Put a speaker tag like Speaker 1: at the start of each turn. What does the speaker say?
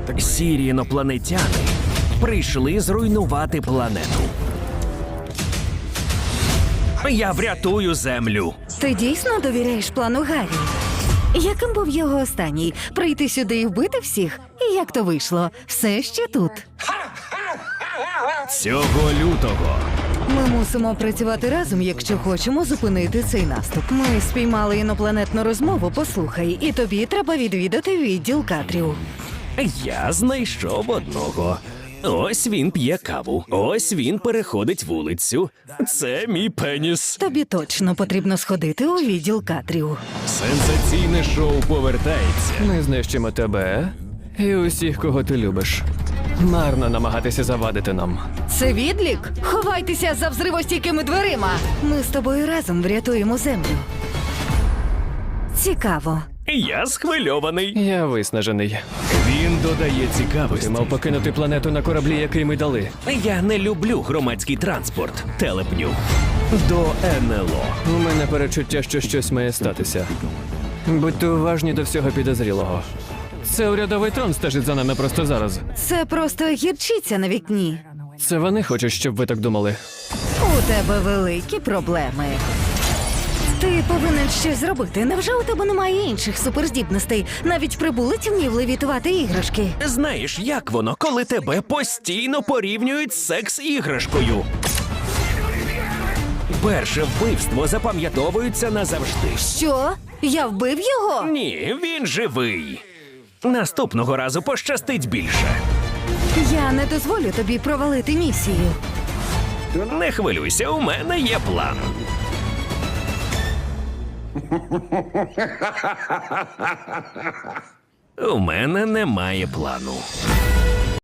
Speaker 1: Сірі інопланетяни прийшли зруйнувати планету. Я врятую Землю.
Speaker 2: Ти дійсно довіряєш плану Гаррі? Яким був його останній? Прийти сюди і вбити всіх? І як то вийшло? Все ще тут.
Speaker 1: Цього лютого
Speaker 2: Ми мусимо працювати разом, якщо хочемо зупинити цей наступ. Ми спіймали інопланетну розмову, послухай, і тобі треба відвідати відділ кадрів.
Speaker 1: я знайшов одного. Ось він п'є каву. Ось він переходить вулицю. Це мій пеніс.
Speaker 2: Тобі точно потрібно сходити у відділ кадрів.
Speaker 1: Сенсаційне шоу повертається.
Speaker 3: Ми знищимо тебе і усіх, кого ти любиш. Марно намагатися завадити нам.
Speaker 2: Це відлік? Ховайтеся за взривостійкими дверима. Ми з тобою разом врятуємо землю. Цікаво.
Speaker 1: Я схвильований.
Speaker 3: Я виснажений.
Speaker 1: Він додає
Speaker 3: Ти
Speaker 1: цікавості.
Speaker 3: мав покинути планету на кораблі, який ми дали.
Speaker 1: Я не люблю громадський транспорт. Телепню. До НЛО.
Speaker 3: У мене перечуття, що щось має статися. Будьте уважні до всього підозрілого. Це урядовий трон стежить за нами просто зараз.
Speaker 2: Це просто гірчиця на вікні.
Speaker 3: Це вони хочуть, щоб ви так думали.
Speaker 2: У тебе великі проблеми. Ти повинен щось зробити. Невже у тебе немає інших суперздібностей? Навіть прибулець вмів левітувати іграшки.
Speaker 1: Знаєш, як воно, коли тебе постійно порівнюють з секс-іграшкою? Перше вбивство запам'ятовується назавжди.
Speaker 2: Що? Я вбив його?
Speaker 1: Ні, він живий. Наступного разу пощастить більше.
Speaker 2: Я не дозволю тобі провалити місію.
Speaker 1: Не хвилюйся, у мене є план. У мене немає плану.